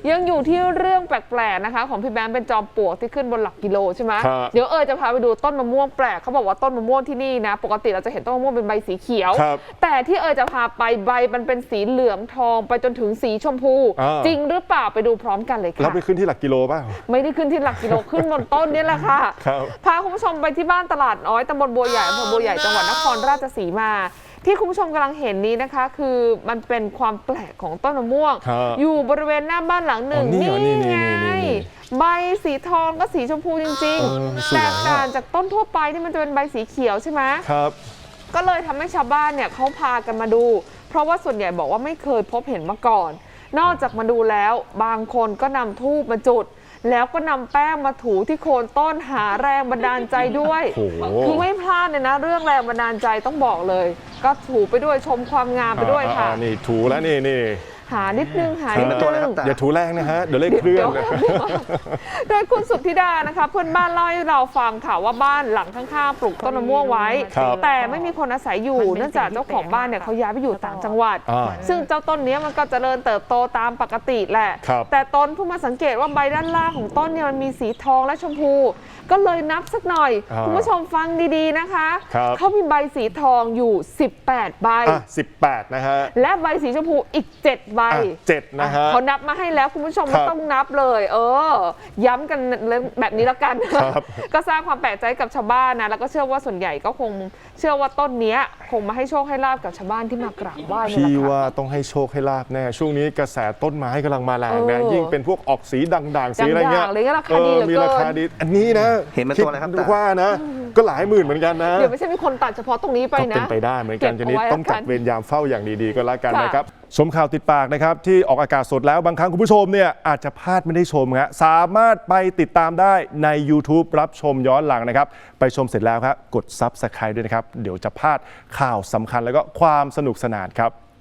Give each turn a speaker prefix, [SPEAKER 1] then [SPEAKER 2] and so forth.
[SPEAKER 1] ยังอยู่ที่เรื่องแปลกๆนะคะของพี่แบงค์เป็นจอมปลวกที่ขึ้นบนหลักกิโลใช่ไหมเดี๋ยวจะพาไปดูต้นมะม่วงแปลกเขาบอกว่าต้นมะม่วงที่นี่นะปกติเราจะเห็นต้นมะม่วงเป็นใบสีเขียวแต่ที่จะพาไปใบมันเป็นสีเหลืองทองไปจนถึงสีชมพูจริงหรือเปล่าไปดูพร้อมกันเลยค่ะ
[SPEAKER 2] เราไปขึ้นที่หลักกิโลป่ะ
[SPEAKER 1] ไม่ได้ขึ้นที่หลักกิโลขึ้นบนต้นนี่แหละค่ะพาคุณผู้ชมไปที่บ้านตลาดน้อยตำบลบัวใหญ่อำเภอบัวใหญ่จังหวัดนครราชสีมาที่คุณผู้ชมกำลังเห็นนี้นะคะคือมันเป็นความแปลกของต้นมะม่วงอยู่บริเวณหน้าบ้านหลังหนึ่งนี่ไงใบสีทองก็สีชมพูจริงๆแตกต่างจากต้นทั่วไปที่มันจะเป็นใบสีเขียวใช่ไหม
[SPEAKER 2] ครับ
[SPEAKER 1] ก็เลยทำให้ชาวบ้านเนี่ยเขาพากันมาดูเพราะว่าส่วนใหญ่บอกว่าไม่เคยพบเห็นมาก่อนนอกจากมาดูแล้วบางคนก็นำธูปมาจุดแล้วก็นำแป้งมาถูที่โคนต้นหาแรงบันดาลใจด้วยคือไม่พลาดเลยนะเรื่องแรงบันดาลใจต้องบอกเลยก็ถูไปด้วยชมความงามไปด้วยค่ะ
[SPEAKER 2] นี่ถูแล้วนี่
[SPEAKER 1] หานิดนึง
[SPEAKER 2] อย่าถูแรงนะฮะเดี๋ยวเลขเคลื่อน
[SPEAKER 1] โดยคุณสุทธิดานะคะเพื่อนบ้านเล่าให้เราฟังค่ะว่าบ้านหลังข้างๆปลูกต้นมะม่วงไว้แต่ไม่มีคนอาศัยอยู่เนื่องจากเจ้าของบ้านเนี่ยเขาย้ายไปอยู่ต่างจังหวัดซึ่งเจ้าต้นนี้มันก็เจริญเติบโตตามปกติแหละแต่ต้นเพิ่งมาสังเกตว่าใบด้านล่างของต้นเนี่ยมันมีสีทองและชมพูก็เลยนับสักหน่อยคุณผู้ชมฟังดีๆนะคะเขามีใบสีทองอยู่18ใบ
[SPEAKER 2] 18นะฮะ
[SPEAKER 1] และใบสีชมพูอีก7ใบ
[SPEAKER 2] 7นะฮะ
[SPEAKER 1] เขานับมาให้แล้วคุณผู้ชมไม่ต้องนับเลยย้ำกันแบบนี้แล้วกันก็สร้างความแปลกใจกับชาวบ้านนะแล้วก็เชื่อว่าส่วนใหญ่ก็คงเชื่อว่าต้นนี้คงมาให้โชคให้ลาบกับชาวบ้านที่มากราบไหว้
[SPEAKER 2] พี่ว่าต้องให้โชคให้ลาบแน่ช่วงนี้กระแสต้นไม้กำลังมาแรงนะยิ่งเป็นพวกออกสีด่างๆสีอะไรเงี้ยมีราคาดีอันนี้นะ
[SPEAKER 3] เห็นเป็นตัวอะไรครับ
[SPEAKER 2] ว่านะก็หลายหมื่นเหมือนกันนะ
[SPEAKER 1] เดี๋ยวไม่ใช่มีคนตัดเฉพาะตรงนี้ไปนะ
[SPEAKER 2] เป็นไปได้เหมือนกันทีนี้ต้องจัดเวรยามเฝ้าอย่างดีๆก็แล้วกันนะครับชมข่าวติดปากนะครับที่ออกอากาศสดแล้วบางครั้งคุณผู้ชมเนี่ยอาจจะพลาดไม่ได้ชมฮะสามารถไปติดตามได้ใน YouTube รับชมย้อนหลังนะครับไปชมเสร็จแล้วครับกด Subscribe ด้วยนะครับเดี๋ยวจะพลาดข่าวสำคัญแล้วก็ความสนุกสนานครับ